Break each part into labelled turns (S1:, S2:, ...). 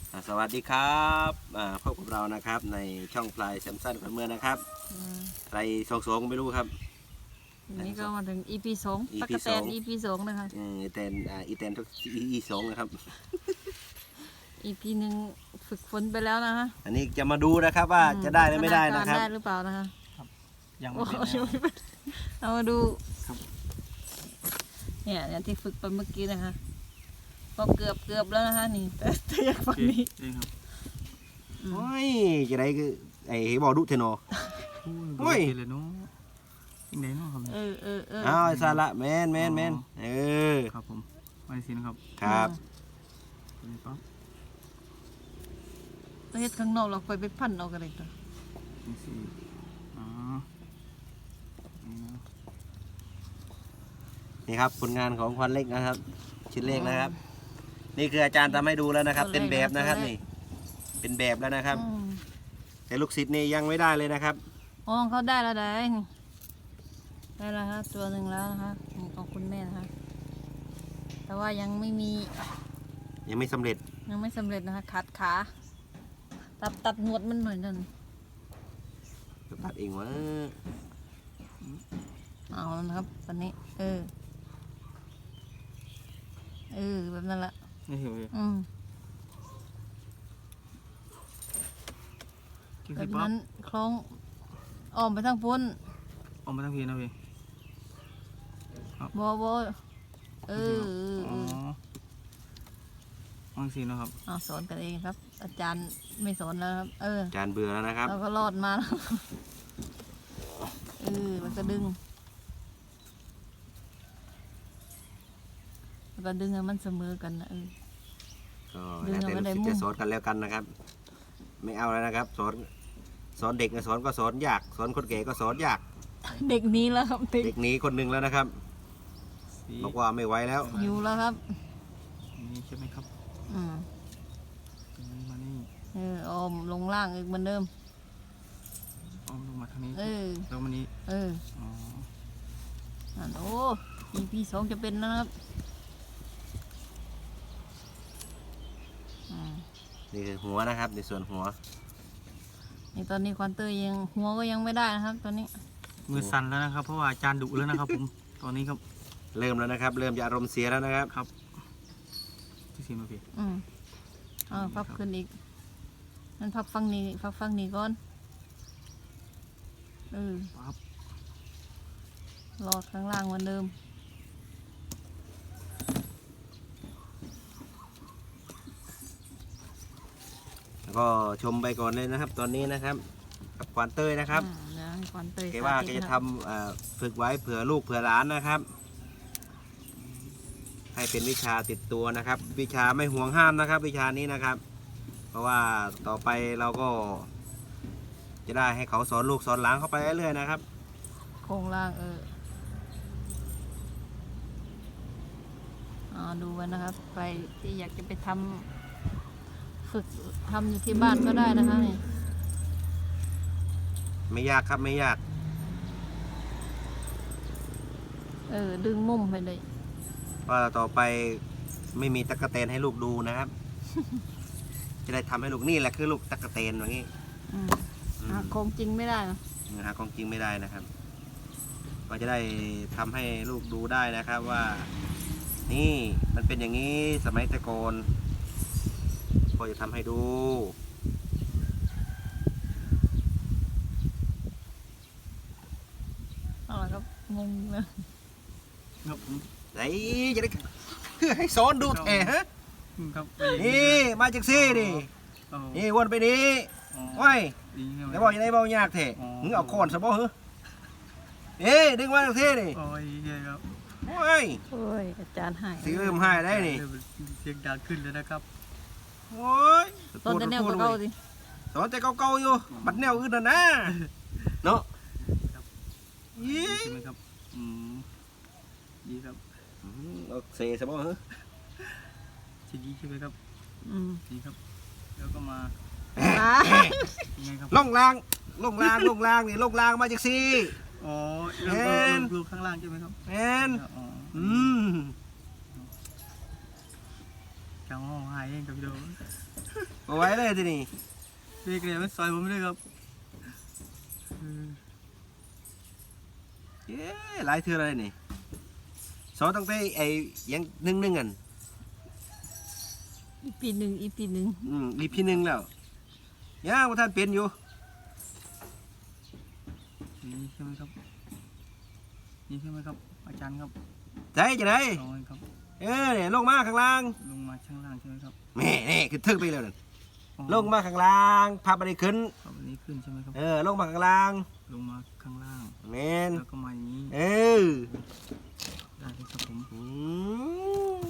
S1: สวัสดีครับพบกับเรานะครับในช่องพลายแซมสันกับเมื่อนะครับใครสองไม่รู้ครับ
S2: นี่ก็มาถึง EP 2 ตั๊กแตน EP 2นะคะ
S1: อีแตนอีแตนทุก EP 2นะครับ
S2: EP 1ฝึกฝนไปแล้วนะคะ
S1: อันนี้จะมาดูนะครับว่าจะได้หรือไม่ได้นะครับ
S2: ได้หรือเปล่านะคะ
S3: ยังไม่เป็น
S2: เอามาดูเนี่ยที่ฝึกไปเมื่อกี้นะคะก็เกือบแล้วนะคะนี่แต่อยากฟังนี้
S1: โอ้ยจะได้คือไอ้บอดุเทนอ
S3: โอ้ยเลยเนาะยังไงเนาะครับ
S1: อ้าวสาระแมน
S3: ครับผมไม่สินะครับ
S1: ครับ
S3: นี่ปั๊บ
S2: ประเทศข้างนอกเราไปพันเอากันเลยตัว
S3: นี่สิ
S1: นี่ครับผลงานของควันเล็กนะครับชิ้นเล็กนะครับนี่คืออาจารย์ทำให้ดูแล้วนะครับเป็นแบบนะครับนี่เป็นแบบแล้วนะครับแต่ลูกศิษย์นี่ยังไม่ได้เลยนะครับ
S2: อ๋อเขาได้แล้วได้แล้วฮะตัวหนึ่งแล้วนะคะของคุณแม่นะคะแต่ว่ายังไม่
S1: สำเร็จ
S2: นะคะขาตัดหนวดมันหน่อยนึง
S1: ตัดเองวะ
S2: เอาแล้วนะครับตอนนี้แบบนั้นละ
S3: นี่เหรอ
S2: แบบนั้นคล้องอ้อมไปทางพ้น
S3: ออกมาทางพีนะพี่
S2: บ
S3: วางสีนะครับ
S2: สอนกันเองครับอาจารย์ไม่สอนแล้วครับ
S1: อาจารย์เบื่อแล้วนะครับ
S2: เราก็รอดมาแล้วมันก็ดึงแล้วก็ดึงให้มันเสมอกันนะ
S1: ก็แล้วแต่ลูกศิษย์จะสอนกันแล้วกันนะครับไม่เอาแล้วนะครับสอนเด็กสอนก็สอนยากสอนคนแก่ก็สอนยาก
S2: เด็กนี้แล้วครับ
S1: เด็กนี้คนหนึ่งแล้วนะครับบอกว่าไม่ไหวแล้ว
S2: อยู่แล้วครับ
S3: นี่ใช่ไหมครับมานี่
S2: ออมลงล่างอีกเหมือนเดิม
S3: ออมลงมาทางนี้แล้วมานี้
S2: โอ้ EP 2จะเป็นนะครับ
S1: นี่คือหัวนะครับในส่วนหัว
S2: นี่ตอนนี้ควันเตอร์ยังหัวก็ยังไม่ได้นะครับตอนนี้
S3: มือสั่นแล้วนะครับเพราะว่าอาจารย์ดุแล้วนะครับผมตอนนี้ครับ
S1: เริ่มแล้วนะครับเริ่มจะอารมณ์เสียแล้วนะครับ
S3: ครับที่สีมาพี่
S2: พับขึ้นอีกมันพับฟังนี้ก่อน
S3: ปั๊บ
S2: รอดข้างล่างเหมือนเดิม
S1: แล้วก็ชมไปก่อนเลยนะครับตอนนี้นะครับกับควานเต้ยนะครับแกว่าแกจะทำฝึกไว้เผื่อลูกเผื่อหลานนะครับให้เป็นวิชาติดตัวนะครับวิชาไม่ห่วงห้ามนะครับวิชานี้นะครับเพราะว่าต่อไปเราก็จะได้ให้เขาสอนลูกสอนหลานเข้าไปเรื่อยๆนะครับ
S2: โครงล่างดูไว้นะครับใครที่อยากจะไปฝึกทำอยู่ที่บ้านก็ได้นะคะนี่
S1: ไม่ยากครับไม่ยาก
S2: ดึงมุมไปเลย
S1: ว่าต่อไปไม่มีตะกะเตนให้ลูกดูนะครับ จะได้ทำให้ลูกนี่แหละคือลูกตะกะเตนอย่างนี้
S2: หาของจริงไม่ได้
S1: หาของจริงไม่ได้นะครับก็จะได้ทำให้ลูกดูได้นะครับว่านี่มันเป็นอย่างนี้สมัยแต่ก่อนก็จะทำให้ดู
S2: อะไรครับงงเลย
S3: ครับ
S1: ไหนจะได้ให้สอนดูแท้ฮะนี่มาจากซี่ดินี่วนไปนี้ไว้แล้วบอกยังไงบอกยากแท้มึงเอาโคนซะบ่เหรอดึงมาจากซี่ดิ
S3: โอ้ยครับ
S1: โอ้ย
S2: อาจารย์หาย
S1: สีเริ่มหายได้นี่
S3: เสียงดังขึ้นเลยนะครับ
S1: โอ้ย
S2: ตอนแต่แนวเก่าๆสิ
S1: ตอนแต่เก่าๆอยู่บัดแนวอื่นนะเนาะ
S3: ยี่ใช่ไหมครับยี่ครับ
S1: โอเคซะบ่เหรอ
S3: ชิ้นนี้ใช่ไหมครับนี่ครับแล้วก็มา
S1: ลงล่างนี่ลงล่างมาจากซี่
S3: ลูกข้างล่างใช่ไหมครับ
S1: จัง
S3: ห้องหายเองกับพี่โด
S1: เอาไว้เลยทีนี้
S3: พี่เกลียไม่ซอยผมเลยครับ
S1: เย้หลายเทื่ออะไรนี่สอนตั้งแต่ไอ้ยังนึ่งกัน
S2: อีปีหนึ่ง
S1: อีพีหนึ่งแล้วย่างว่าท่านเป็นอยู่
S3: นี่ใช่ไหมครับนี่ใช่ไหมครับ อาจารย์ครับ
S1: ใจจะได้
S3: ลองครับ
S1: เนี่ยลงมาข้างล่าง
S3: ลงมาข้างล่างใช่ไหมครับ
S1: แม่นี่คือทึกไปแล้วนั่น
S3: อ๋อ
S1: ลงมาข้างล่างพับไปขึ้น
S3: ครับอันนี้ขึ้นใช่ไหมครับ
S1: ลงมาข้างล่าง
S3: ลงมาข้างล่าง
S1: แม่น
S3: แล้วก็มาอย่างนี้
S1: อ
S3: ได้เลยครับผม
S1: อืม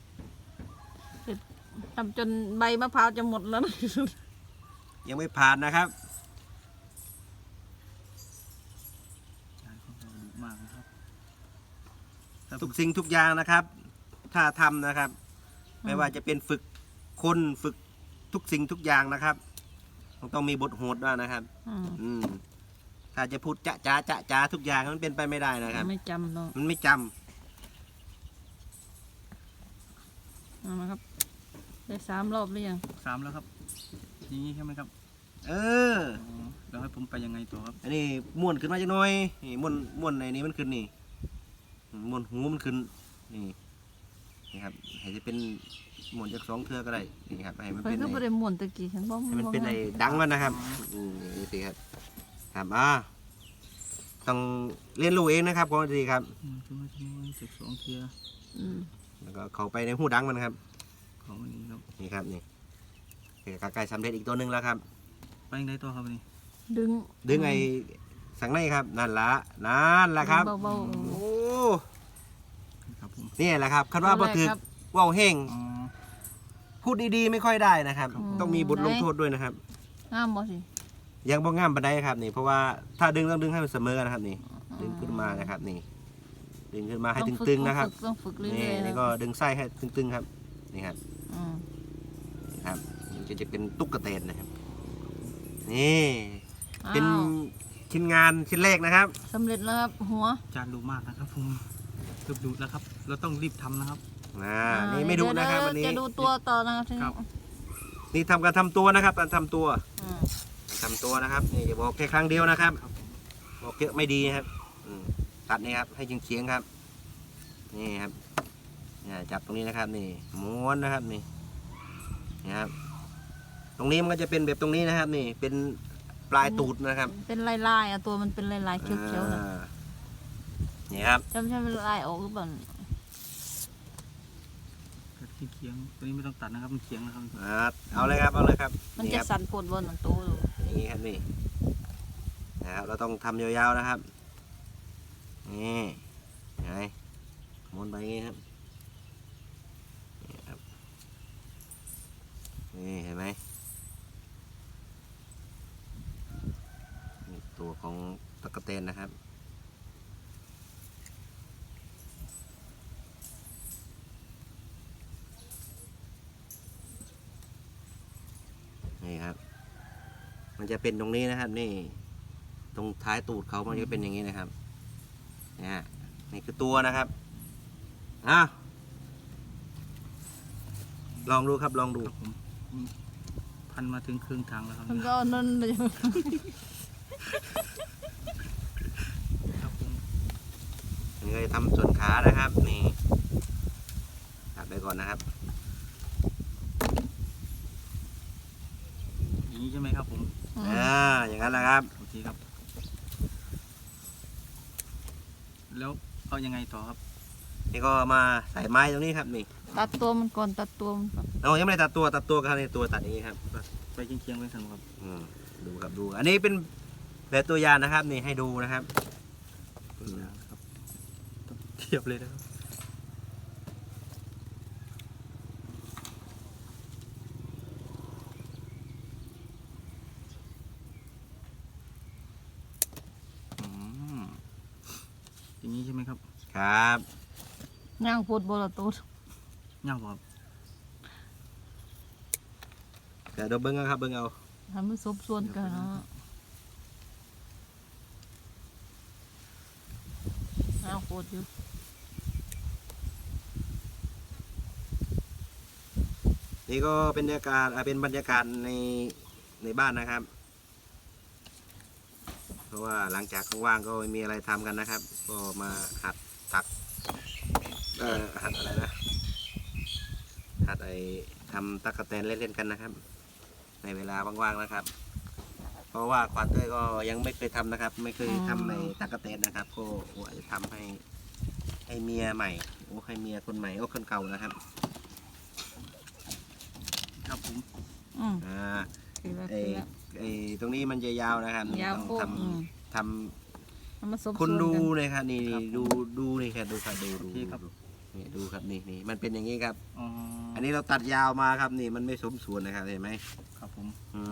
S2: ทำจนใบมะพร้าวจะหมดแล้วนะ
S1: ยังไม่ผ่านนะครับ
S3: อาจารย์เขาดูมากนะครับ
S1: ทุกสิ่งทุกอย่างนะครับ ถ้าทำนะครับ ไม่ว่าจะเป็นฝึกคนฝึกทุกสิ่งทุกอย่างนะครับต้องมีบทโหดด้วยนะครับ อืมถ้าจะพูดจะทุกอย่างมันเป็นไปไม่ได้นะครับ
S2: ไม่จำเนาะ
S1: มันไม่จำ
S2: เอามาครับ ได้3 รอบหรือยัง
S3: 3แล้วครับอย่างนี้ใช่ไหมครับ
S1: เออ
S3: อ๋อแล้วให้ผมไปยังไงต่อครับ
S1: อันนี้ม้วนขึ้นมาจักหน่อยนี่ม้วนในนี้มันขึ้นนี่ม้วนหูมันขึ้นนี่ครับให้จะเป็นม้วนจาก2 เทื่อก็ได้นี่ครับให้มัน
S2: เพิ่
S1: เป็น น
S2: ก็บ่ได้ม่วนตะกี้ฉันบ่
S1: ให้มันเป็น
S2: บ่
S1: ไอ้ดังมันนะครับนี่สิครับครับต้องเรียนรู้เองนะครับก่อนดีครับ
S3: ทำไมเจ็บ2 เทีย
S2: อืม
S1: แล้วก็เข้าไปในหูดังมันครับ
S3: ของวันนี้ครับ
S1: นี่ครับนี่ใกล้สำเร็จอีกตัวหนึ่งแล้วครับ
S3: ไปยังไงต่อครับวันนี้
S2: ดึง
S1: ไอ้สังในครับนั่นละครับ
S2: เบา
S1: โอ้
S3: ครับผม
S1: นี่แหละครับคัน
S2: ๆ
S1: ว่าบ่ถึก
S2: ครับ
S1: ว่าวเฮง
S3: อ๋อ
S1: พูดดีๆไม่ค่อยได้นะครับ
S2: อืม
S1: ต้องมีบทลงโทษด้วยนะครับ
S2: งามบ่สิ
S1: ยังบ่งามปานใดครับนี่เพราะว่าถ้าดึงต้องดึงให้มันเสมอกันนะครับนี่ดึงขึ้นมานะครับนี่ดึงขึ้นมาให้ตึงๆนะครับ
S2: ต้องฝึกเรื่
S1: นี่
S2: อยๆ
S1: นี่ก็ดึงไส้ให้ตึงๆครับนี่ครับ
S2: อืม
S1: นี่ครับมันจะเป็นตุ๊กเตนนะครับนี่เป็น
S2: อ้าว
S1: ชิ้นงานชิ้นแรกนะครับ
S2: สำเร็จแล้วครับหัว
S3: อาจารย์ดูมากนะครับผมเกือบดูแล้วครับ เราต้องรีบทำนะครับ
S1: นี่ไม่ดูนะครับ
S2: เดี๋ย
S1: วันนี้
S2: จะดูตัวต่อนะครับทีนี้
S3: ครับ
S1: นี่ทำการทำตัวนะครับการทำตัว
S2: อืม
S1: ทำตัวนะครับนี่อย่าบอกแค่ครั้งเดียวนะครับ
S3: ครับผม
S1: บอกเยอะไม่ดีนะครับตัดนี่ครับให้เฉียงๆครับนี่ครับจับตรงนี้นะครับนี่ม้วนนะครับนี่ครับตรงนี้มันก็จะเป็นแบบตรงนี้นะครับนี่เป็นปลายตูดนะครับ
S2: เป็นลายๆอ่ะตัวมันเป็นลายๆเขียวๆนะ
S1: นี่ครับ
S2: จำใช่เป็นลายออกหรือเปล่า
S3: กระที่เคียงตัวนี้ไม่ต้องตัดนะครับมันเคียงนะครับ
S1: เอาเลยครับเอาเลยครับ
S2: มัน
S1: นี่
S2: จะ
S1: ครับ
S2: สั่นปวดบนหนังตัวอยู่
S1: นี่ครับนี่นะครับเราต้องทำยาวๆนะครับนี่ไงม้วนไปอย่างนี้ครับนี่ครับนี่เห็นไหมนี่ตัวของตะกะแตนนะครับนี่ครับมันจะเป็นตรงนี้นะครับนี่ตรงท้ายตูดเขามันจะเป็นอย่างนี้นะครับเนี่ยนี่คือตัวนะครับลองดูครับลองดู
S3: ครับผมพันมาถึงครึ่งทางแล้วครับ
S2: มันก็นั่นเลย
S3: ครับผม
S1: อันนี้ก็จะทำส่วนขานะครับนี่ตัดไปก่อนนะครับ
S3: อย่างนี้ใช่ไหมครับผม
S1: อย่างนั้นแหละครับ
S3: โอเคครับ แล้วเอายังไงต่อครับ
S1: นี่ก็มาใส่ไม้ตรงนี้ครับนี่
S2: ตัดตัวมันก่อนตัดตัวมันก่อน
S1: ยังไม่ได้ตัดตัวครับในตัวตัดอย่างนี้ครับ
S3: ไปเคียงๆไปสันครับ
S1: ดูครับดู อันนี้เป็นแบบตัวอย่างนะครับนี่ให้ดูนะครับ
S3: ครับเทียบเลยนะครับอย่างนี้ใช่ไหมครับ
S1: ครับ
S2: ย่างปวดบนตัว
S3: ย่างบ่ครับ
S1: เดี๋ยวเบิ้งเอาครับเบิ้งเอา
S2: ทำให้ซบส่วนกันเนาะย่างปวดอยู่
S1: นี่ก็เป็นบรรยากาศเป็นบรรยากาศในบ้านนะครับ เพราะว่าหลังจากว่างๆก็ไม่มีอะไรทำกันนะครับ ก็มาหัดตักหัดอะไรนะหัดทำตั๊กแตนเล่นๆกันนะครับ ในเวลาว่างๆนะครับ เพราะว่าขวัญเต้ยก็ยังไม่เคยทำนะครับ ไม่เคยทำในตั๊กแตนนะครับก็ว่าจะทำให้เมียใหม่ให้เมียคนใหม่คนเก่านะครับ
S3: ครับผม
S2: คือแล้ว
S1: ตรงนี้มันจะยาวนะครับ
S2: ยาว
S1: ต้อง
S2: โค้ง
S1: ทำ
S2: มันมาสม
S1: คุณ
S2: ส่วน
S1: ดู
S2: กัน
S1: เลยครับนี่ดูนี่ครับดูครับดูนี่ดูครับนี่มันเป็นอย่างนี้ครับ อันนี้เราตัดยาวมาครับนี่มันไม่สมส่วนนะครับเห็นไหม
S3: ครับผม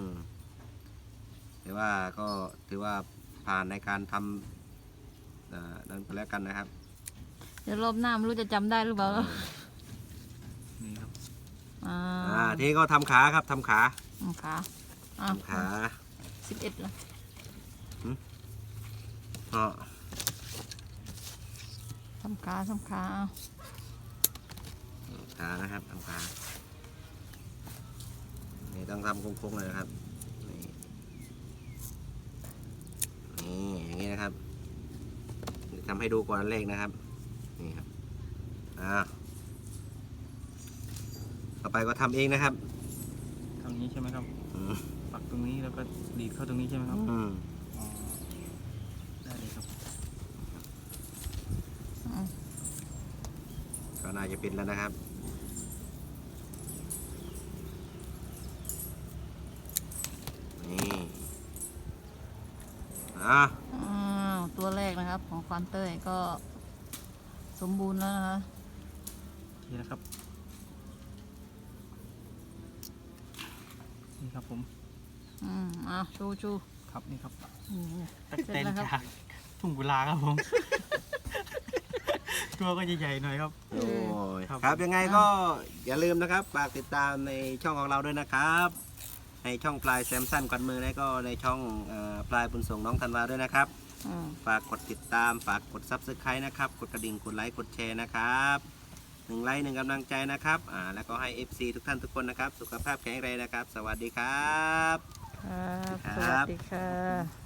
S1: แต่ว่าก็ถือว่าผ่านในการทำนั้นไปแล้วกันนะครับ
S2: เดี๋ยวรอบหน้าไม่รู้จะจำได้หรือเปล่า
S3: นี่ครับ
S1: ทีนี้ก็ทำขาครับทำขา
S2: ขา
S1: ทำขา
S2: 11ละ
S1: ก็
S2: ทำขา
S1: ขานะครับทำขานี่ต้องทำโค้งๆเลยนะครับนี่อย่างนี้นะครับทำให้ดูก่อนเลขนะครับนี่ครับต่อไปก็ทำเองนะครับ
S3: ทำนี้ใช่ไหมครับปักตรงนี้แล้วก็ดีดเข้าตรงนี้ใช่ไหมครับได้เลยครับ
S1: ก็น่าจะเป็นแล้วนะครับนี่
S2: ตัวแรกนะครับของควานเต้ยก็สมบูรณ์แล้วนะคะ
S3: นี่นะครับนี่ครับผม
S2: ชู
S3: ครับนี่ครับ
S2: ตักเต้นครับ
S3: ทุ่งกุลาครับผม ตัวก็ใหญ่ๆหน่อยครับ
S1: โอ้ยครับยังไงก็อย่าลืมนะครับฝากติดตามในช่องของเราด้วยนะครับในช่องปลายแซมสันกวนมือและก็ในช่องปลายบุญส่งน้องธันวาด้วยนะครับฝากกดติดตามฝากกดซับสไครต์นะครับกดกระดิ่งกดไลค์กดแชร์นะครับ1 ไลค์ 1 กำลังใจนะครับแล้วก็ให้ FC ทุกท่านทุกคนนะครับสุขภาพแข็งแรงนะครับสวัสดีครับ
S2: สวัสดีค่ะ